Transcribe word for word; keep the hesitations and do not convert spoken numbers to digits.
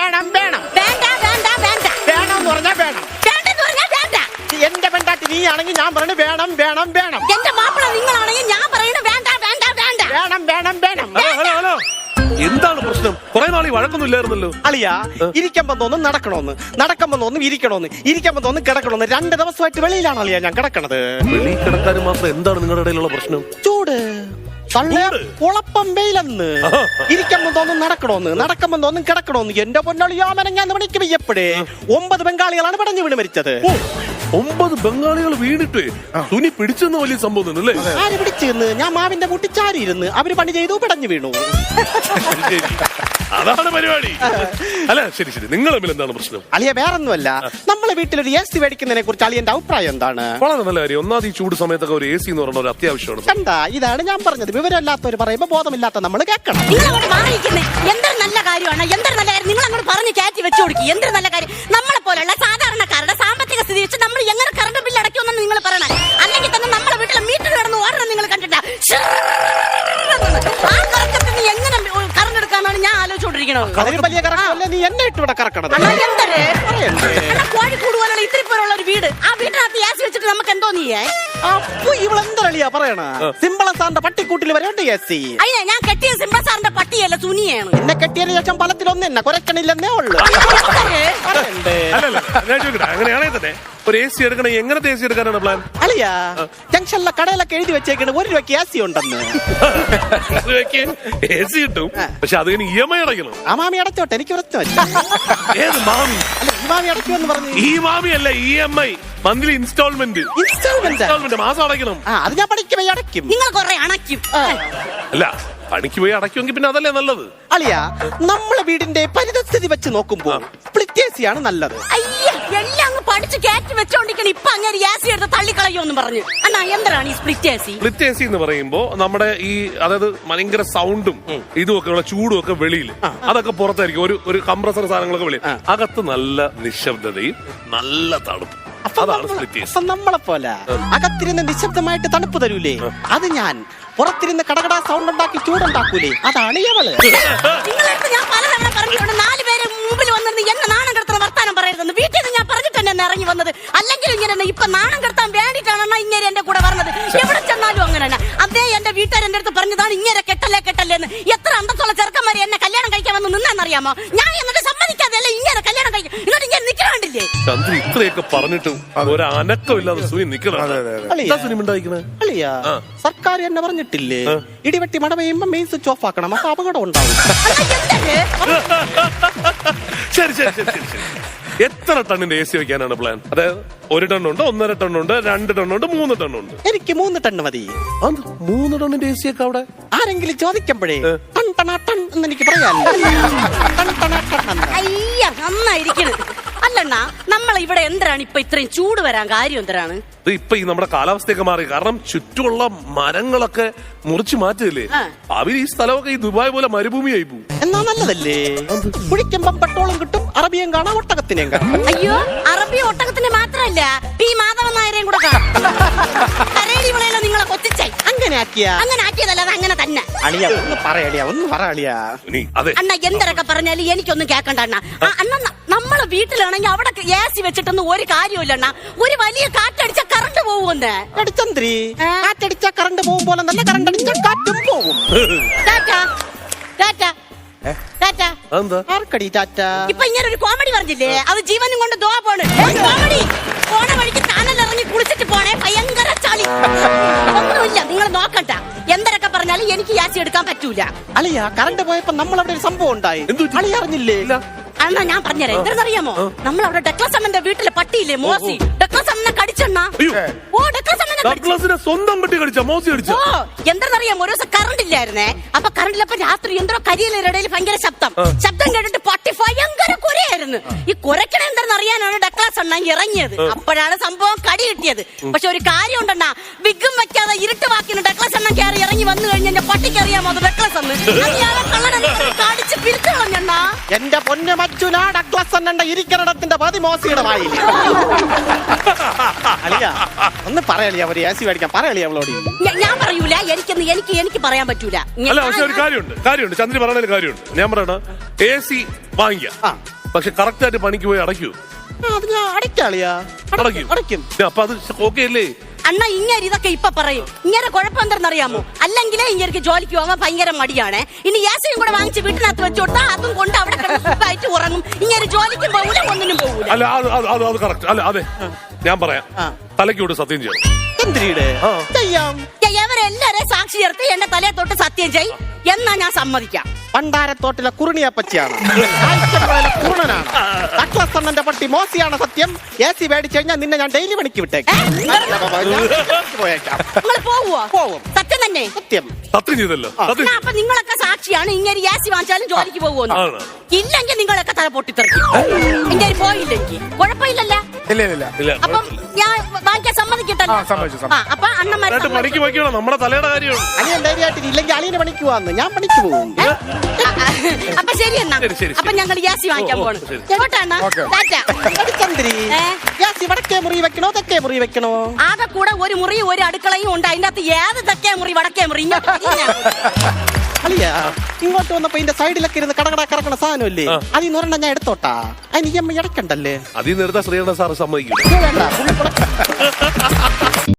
വേണം വേണം വേണ്ട വേണ്ട വേണ്ട വേണമെന്ന് പറഞ്ഞാൽ വേണം വേണ്ടെന്ന് പറഞ്ഞാൽ വേണ്ട. എന്റെ പെണ്ടാട്ടി നീ ആണെങ്കിൽ ഞാൻ പറഞ്ഞു വേണം വേണം വേണം എന്റെ മാപ്പിള നിങ്ങളാണെങ്കിൽ ഞാൻ പറയുന്നത് വേണ്ട വേണ്ട വേണ്ട വേണം വേണം വേണം ഹലോ ഹലോ ഹലോ എന്താണ് പ്രശ്നം? കുറെ നാളീ വഴക്കൊന്നും ഇല്ലായിരുന്നല്ലോ. അളിയാ ഇരിക്കുമ്പോ തോന്നും നടക്കണോന്ന്, നടക്കുമ്പോ തോന്നും ഇരിക്കണോന്ന്, ഇരിക്കുമ്പോ തോന്നും കിടക്കണോന്ന്. രണ്ട് ദിവസമായിട്ട് വെളിയിലാണ് അളിയാ ഞാൻ കിടക്കണത്. വെളി കിടക്കാനും മാത്രം എന്താണ് നിങ്ങളുടെ ഇടയിലുള്ള പ്രശ്നം? ചൂട് കുളപ്പം വെയിലെന്ന്. ഇരിക്കുമ്പോ തോന്നും നടക്കണോന്ന്, നടക്കുമ്പോ തോന്നും കിടക്കണോന്ന്. എന്റെ പൊന്നളിയാമനങ്ങാന്ന് മണിക്ക് വയ്യപ്പോഴേ ഒമ്പത് ബംഗാളികളാണ് പടഞ്ഞു വീണ് മരിച്ചത്. ഒമ്പത് ബംഗാളികൾ വീണിട്ട് തുണി പിടിച്ചെന്ന് വലിയ സംഭവം അല്ലേ? ആര് പിടിച്ചിരുന്ന്? ഞാൻ മാവിന്റെ കൂട്ടി ചാരിയിരുന്ന് അവര് പണി ചെയ്തു പിടഞ്ഞു വീണു. അതാണ് പരിപാടി. അല്ല ശരി ശരി, നിങ്ങൾ തമ്മിൽ എന്താണ് പ്രശ്നം? അളിയ വേറൊന്നുമല്ല, നമ്മളെ വീട്ടിലൊരു എ സി മേടിക്കുന്നതിനെ കുറിച്ച് അളിയന്റെ അഭിപ്രായം എന്താണ്? വളരെ നല്ല കാര്യം. ഒന്നാമത് ഈ ചൂട് സമയത്തൊക്കെ ഒരു എ സി എന്ന് പറയുന്ന ഒരു അത്യാവശ്യമാണ്. കണ്ടാ, ഇതാണ് ഞാൻ പറഞ്ഞത്. വിവരമില്ലാത്തവർ പറയുമ്പോ ബോധമില്ലാത്ത നമ്മൾ കേൾക്കണം. നിങ്ങൾ അങ്ങോട്ട് മാറിയിരിക്കുന്നേ എന്തൊരു നല്ല കാര്യമാണ്, എന്തൊരു നല്ല കാര്യം. നിങ്ങൾ അങ്ങോട്ട് പറഞ്ഞ് കയറ്റി വെച്ചു കൊടുക്കി. എന്തൊരു നല്ല കാര്യം. നമ്മളെ പോലെയുള്ള സാധാരണക്കാരുടെ സാമ്പത്തിക സ്ഥിതി വെച്ച് നമ്മൾ എങ്ങനെ കറണ്ട് ബില്ല് അടയ്ക്കുമെന്ന് നിങ്ങൾ പറയണം. അല്ലെങ്കിൽ തന്നെ നമ്മളെ വീട്ടിലെ മീറ്റർ കിടന്ന് ഓടണം. നിങ്ങൾ കണ്ടിട്ടാ ആ കറക്കത്തിന് എങ്ങനെ കറണ്ട് എടുക്കാന്നാണ് ഞാൻ ആലോചിച്ചോണ്ടിരിക്കണത്. അതിന് വലിയ കറക്കമല്ലേ നീ എന്നെ ഇട്ട് ഇവിടെ കറക്കണത്. കോഴിക്കൂട് പോലുള്ള ഇത്തിരി പോലുള്ള ഒരു വീട്, ആ വീട്ടിനകത്ത് ഗ്യാസ് വെച്ചിട്ട് നമുക്ക് എന്തോ നീയേ. അപ്പൊ ഇവളെന്തളിയാ പറയണ? സിമ്പിള സാറിന്റെ പട്ടിക്കൂട്ടിൽ വരേണ്ട എ സി. അയ്യ ഞാൻ കെട്ടിയ സിംബ സാറിന്റെ പട്ടിയല്ല, സുനിയാണ്. എന്നെ കെട്ടിയതിന് ശേഷം പലത്തിലൊന്നും എന്നെ കുരക്കണില്ലെന്നേ ഉള്ളു. അല്ലല്ല ഞാൻ ചോദിക്കട്ടെ, അങ്ങനെയാണെങ്കിൽ തന്നെ ഒരു എ സി എടുക്കണേ എങ്ങനത്തെ എ സി എടുക്കാനാണ് പ്ലാൻ? അളിയാ ജംഗ്ഷനിലെ കടയിലൊക്കെ എഴുതി വെച്ചേക്കണ് ഒരു രൂപയ്ക്ക് എ സി ഉണ്ടെന്ന്. എ സി കിട്ടും, പക്ഷെ അത് ഇ എം ഐ അടയ്ക്കണം. ആ മാമി അടച്ചോട്ടെ, എനിക്ക് പ്രശ്നം. ഏത് മാമി? അല്ല ഈ മാമി അടയ്ക്കുമെന്ന് പറഞ്ഞു. ഈ മാമി അല്ല, E M I, monthly installment. Installment മാസം അടയ്ക്കണം. ആ അത് ഞാൻ പഠിക്കുമ്പോ അടയ്ക്കും. നിങ്ങൾ കൊറേ അണയ്ക്കും. അല്ല പണിക്ക് പോയി അടയ്ക്കുമെങ്കിൽ പിന്നെ അതല്ലേ നല്ലത്. അളിയാ നമ്മളെ വീടിന്റെ പരിതസ്ഥിതി വെച്ച് നോക്കുമ്പോ സ്പ്ലിറ്റ് എ സി ആണ് നല്ലത്. അയ്യ എല്ലാം അങ്ങ് പഠിച്ച് കയറ്റി വെച്ചോണ്ടിരിക്കണം. ഇപ്പൊ അങ്ങനെ ഗ്യാസ് എടുത്ത് തള്ളിക്കളയോന്ന് പറഞ്ഞു. അണ്ണാ എന്താണ് ഈ split A C? Split A C എന്ന് പറയുമ്പോ നമ്മുടെ ഈ അതായത് ഭയങ്കര സൗണ്ടും ഇതും ഒക്കെ ഉള്ള ചൂടും ഒക്കെ വെളിയിൽ, അതൊക്കെ പുറത്തായിരിക്കും. ഒരു ഒരു കംപ്രസർ സാധനങ്ങളൊക്കെ വെളിയിൽ, അകത്ത് നല്ല നിശബ്ദതയും നല്ല തണുപ്പ്. അതാണ് സ്പ്ലിറ്റ് എ സി. നമ്മളെ പോലെ അകത്തിരുന്ന് നിശബ്ദമായിട്ട് തണുപ്പ് തരൂലേ, അത് ഞാൻ. പുറത്തിരുന്ന് കടകട സൗണ്ട് ഉണ്ടാക്കി ചൂടുണ്ടാക്കൂലേ, അതാണ് ഇവള്. നിങ്ങളടുത്ത് ഞാൻ പലതവണ പറഞ്ഞിട്ടുണ്ട്, നാല് പേര് മുമ്പിൽ വന്നിരുന്ന് എന്നെ നാണം കെടുത്തുന്ന വർത്താനം പറയരുതെന്ന്. വീട്ടിൽ നിന്ന് ഞാൻ പറഞ്ഞിട്ട് തന്നെ ഇറങ്ങി വന്നത്. അല്ലെങ്കിൽ ഇങ്ങനെ ഇപ്പൊ നാണം കെടുത്താൻ വേണ്ടിയിട്ടാണ് ഇങ്ങനെ എന്റെ കൂടെ പറഞ്ഞത്. എവിടെ ചെന്നാലും അങ്ങനെ തന്നെ. അതേ എന്റെ വീട്ടുകാർ എന്റെ അടുത്ത് പറഞ്ഞതാണ് ഇങ്ങനെ കെട്ടല്ലേ കെട്ടല്ലേ എന്ന്. എത്ര അന്തസ്സുള്ള ചെറുക്കന്മാരെ എന്നെ കല്യാണം കഴിക്കാൻ വന്ന് നിന്നാന്നറിയാമോ? ഞാൻ എന്നിട്ട് സമ്മതിക്കാതെ ഇങ്ങനെ കല്യാണം കഴിക്കും. എന്നിട്ട് ഇങ്ങനെ നിൽക്കണണ്ടില്ലേ? ചന്ദ്ര ഇത്രയൊക്കെ പറഞ്ഞിട്ടും ഒരു അനക്കമില്ലാതെ സുനി നിക്കണം. അളിയാ സർക്കാർ എന്നെ പറഞ്ഞിട്ടില്ലേ, ഇടിവെട്ടി മഴ പെയ്യുമ്പോ മെയിൻ സ്വിച്ച് ഓഫ് ആക്കണം, അപ്പൊ അപകടം ഉണ്ടാവും. ശരി ശരി ശരി ശരി ശരി എത്ര ടണ്ണിന്റെ എ സി വെക്കാനാണ് പ്ലാൻ? അതായത് ഒരു ടണ്ണുണ്ട്, ഒന്നര ടണ്ണുണ്ട്, രണ്ട് ടണ്ണുണ്ട്, മൂന്ന് ടണ്ണുണ്ട്. എനിക്ക് മൂന്ന് ടണ്ണ് മതി. മൂന്ന് ടണ്ണിന്റെ എ സി ഒക്കെ അവിടെ ആരെങ്കിലും ചോദിക്കുമ്പോഴേ ടൺ ടണ ടൺ എന്ന് എനിക്ക് പറയാനില്ല. അയ്യ നന്നായിരിക്കണ്. അല്ലണ്ണ നമ്മൾ ഇവിടെ എന്തിനാണ് ഇപ്പൊ ഇത്രയും ചൂട് വരാൻ കാര്യം എന്തിനാണ്? ഇപ്പൊ ഈ നമ്മുടെ കാലാവസ്ഥയൊക്കെ മാറി, കാരണം ചുറ്റുമുള്ള മരങ്ങളൊക്കെ മുറിച്ചു മാറ്റില്ലേ. അവർ ഈ സ്ഥലമൊക്കെ ഈ ദുബായ് പോലെ മരുഭൂമിയായി പോകും. എന്നാ നല്ലതല്ലേ? കുഴിക്കുമ്പം പെട്രോളും കിട്ടും, അറബിയും കാണാം, ഒട്ടകത്തിനെയും കാണാം. അയ്യോ അറബി ഒട്ടകത്തിന് മാത്രല്ല, പി മാധവൻ നായരെയും കൂടെ കാണാം. കരേടി വിളയല്ലോ നിങ്ങളെ കൊത്തിച്ചായി. അങ്ങനെ ആക്കിയാ അങ്ങനെ ആക്കിയതല്ല, അത് അങ്ങനെ തന്നെ. അളിയ ഒന്ന് പറയളിയാ, ഒന്ന് പറയളിയാ. അണ്ണ എന്തൊക്കെ പറഞ്ഞാലും എനിക്കൊന്നും കേക്കണ്ട അണ്ണ. അണ്ണ നമ്മളെ വീട്ടിലാണെങ്കിൽ അവിടെ എ സി വെച്ചിട്ടൊന്നും ഒരു കാര്യമില്ല അണ്ണ. ഒരു വലിയ കാറ്റടിച്ച കറണ്ട് പോകുമെന്ന്. ചന്ദ്രി കാറ്റടിച്ച കറണ്ട് പോകും പോലെ നല്ല കറണ്ട് അടിച്ച കാറ്റും പോകും. ആർക്കടി ടാറ്റ? ഇപ്പൊ ഇങ്ങനെ ഒരു കോമഡി പറഞ്ഞില്ലേ, അത് ജീവനും കൊണ്ട് ദോ പോണ്. കോമഡി പോണ വഴിക്ക് കാനലിറങ്ങി കുളിച്ചിട്ട് പോണേ, ഭയങ്കര ചളി. ഒന്നുമില്ല, നിങ്ങൾ നോക്കണ്ട. എന്തൊക്കെ പറഞ്ഞാലും എനിക്ക് യാസി എടുക്കാൻ പറ്റൂല. അളിയ കറണ്ട് പോയപ്പോ നമ്മളവിടെ ഒരു സംഭവം ഉണ്ടായി, അളി അറിഞ്ഞില്ലേ? അണ്ണാ ഞാൻ പറഞ്ഞുതരാം എന്തെന്നറിയാമോ? നമ്മളവിടെ ഡക്ലസ് അണ്ണന്റെ വീട്ടിലെ പട്ടിയില്ലേ മോസി, ഡക്ലസ് അണ്ണനെ കടിച്ചെണ്ണ. ഓ ഡക്ലസ് അണ്ണനെ സ്വന്തം പട്ടി കടിച്ച മോസി കടിച്ച. ഓ എന്തെന്നറിയാമോ, ഒരു ദിവസം കറണ്ട് ഇല്ലായിരുന്നേ. അപ്പൊ കറണ്ടിലപ്പോ രാത്രി എന്തോ കരിയിലിടയിൽ ഭയങ്കര ശബ്ദം ശബ്ദം കേട്ടിട്ട് പട്ടി ഭയങ്കര കുരയായിരുന്നു. ഈ കുരക്കണ എന്തെന്നറിയാനാണ് ഡക്ലസ് അണ്ണ ഇറങ്ങിയത്. അപ്പോഴാണ് സംഭവം കടി കിട്ടിയത്. പക്ഷെ ഒരു കാര്യം ഉണ്ടെണ്ണ, വിഗും വെക്കാതെ ഇരുട്ട് വാക്കിന് ഡക്ലസ് അണ്ണൻ കയറി ഇറങ്ങി വന്നു കഴിഞ്ഞ എന്റെ പട്ടിക്ക് അറിയാമോ അത് ഡക്ലസ് അന്ന്. കടിച്ച് പിരിച്ചു കളഞ്ഞണ്ണ. എന്റെ പൊന്നെ മച്ചുനാ, ഡക്ലസ് അണ്ണന്റെ ഇരിക്കണത്തിന്റെ പതി മോസിയുടെ വായിൽ. അളിയ ഒന്ന് പറയളിയാ, ഒരു എ സി മേടിക്കാൻ പറയളിയാ അവളോട്. ഞാൻ പറയൂല, എനിക്കൊന്ന് എനിക്ക് എനിക്ക് പറയാൻ പറ്റൂല. അല്ല പക്ഷെ ഒരു കാര്യമുണ്ട്, കാര്യമുണ്ട് ചന്ദ്രി പറഞ്ഞ കാര്യമുണ്ട്. ഞാൻ പറയണ എ സി വാങ്ങിക്കാം, പക്ഷെ കറക്റ്റ് ആയിട്ട് പണിക്ക് പോയി അടയ്ക്കൂ. ആ, അത് ഞാൻ അടയ്ക്കാളിയാ അടയ്ക്കും അടയ്ക്കും. അപ്പൊ അത് ഓക്കെ അല്ലേ? അണ്ണ ഇങ്ങനെ ഇതൊക്കെ ഇപ്പൊ പറയും. ഇങ്ങനെ കുഴപ്പം എന്തെന്നറിയാമോ? അല്ലെങ്കിലേ ഇങ്ങനെ ജോലിക്ക് പോകാൻ ഭയങ്കര മടിയാണ്. ഇനി യാസയും കൂടെ വാങ്ങിച്ച് വീട്ടിനകത്ത് വെച്ചു കൊടുത്താൽ അതും കൊണ്ട് അവിടെ കിടന്ന് സുഖമായിട്ട് ഉറങ്ങും. ഇങ്ങനെ ജോലിക്കും പോകൂല, ഒന്നിനും പോകൂല. അല്ല അത് അത് അത് അത് കറക്റ്റ്. അല്ല അതെ, ഞാൻ പറയാം. തലയ്ക്കോട് സത്യം ചെയ്യണം. എന്തിനീടെ ചെയ്യാം. ഇവരെല്ലാരെയും സാക്ഷി ചേർത്ത് എന്റെ തലയെ തൊട്ട് സത്യം ചെയ് എന്നാ ഞാൻ സമ്മതിക്കാം. പണ്ടാരത്തോട്ടിലെ കുറുണിയപ്പച്ചിയാണ്, ആഴ്ചപ്പുഴയിലെ കുറുണനാണ്, ഡഗ്ലസ് അണ്ണന്റെ പട്ടി മോസിയാണ് സത്യം. എ സി മേടിച്ചു കഴിഞ്ഞാൽ നിന്നെ ഞാൻ ഡെയിലി പണിക്ക് വിട്ടേക്കാം. പോയേക്കാം. നിങ്ങൾ പോവുവോ? പോവും. സത്യം തന്നെ? സത്യം. സത്യം ചെയ്തല്ലോ. സത്യം. എന്നാ അപ്പൊ നിങ്ങളൊക്കെ സാക്ഷിയാണ്. ഇങ്ങനെ യാസി വാങ്ങിച്ചാലും ജോലിക്ക് പോകുമെന്ന്. ആണ്. ഇല്ലെങ്കിൽ നിങ്ങളൊക്കെ തല പൊട്ടിത്തെറിക്കും. ഇങ്ങനെ പോയില്ലെങ്കിൽ കുഴപ്പമില്ലല്ലോ. ഇല്ല ഇല്ല ഇല്ല, അപ്പം ഞാൻ വാങ്ങിക്കാൻ സമ്മതിക്കട്ടല്ലോ. ആ, സമ്മതിച്ചു, സമ്മതിച്ചു. ആ, അപ്പൊ അണ്ണന്മാരെ എന്നിട്ട് പണിക്ക് വയ്ക്കണം. നമ്മുടെ തലയുടെ കാര്യമാണ്. അളിയൻ ധൈര്യമായിട്ട് ഇല്ലെങ്കിൽ അളിയന് പണിക്ക് പോവാന്ന്. ഞാൻ പണിക്ക് പോകും. ആ, ആ, അപ്പൊ ശരി എന്നാ. ശരി, ശരി, അപ്പൊ ഞങ്ങൾ യാസി വാങ്ങിക്കാൻ ഓ, ഓ, പോണം. ശരി. എങ്ങോട്ടാണ്? ഓക്കേ. ചന്ദ്രി ഏ? യാസി വടക്കേ മുറി വെക്കണോ തെക്കേ മുറി വെക്കണോ? ആകെ കൂടെ ഒരു മുറിയും ഒരു അടുക്കളയും ഉണ്ട്. അതിന്റെ അകത്ത് ഏത് തെക്കേ മുറി വടക്കേ മുറി ഇങ്ങോട്ട് തിരിഞ്ഞാ മതി. അളിയാ ഇങ്ങോട്ട് വന്നപ്പോ ഇതിന്റെ സൈഡിലൊക്കെ ഇരുന്ന് കടകട കറക്കണ സാധനമില്ലേ, അതിൽ നിന്ന് ഒരെണ്ണം ഞാൻ എടുത്തോട്ടാ. അതിന് ഇ എം ഐ അടക്കണ്ടല്ലേ? അതിൽ നിർത്താൻ ശ്രീകണ്ഠ സാറ് സമ്മതിക്കും. വേണ്ട, പുള്ളി പുറത്ത്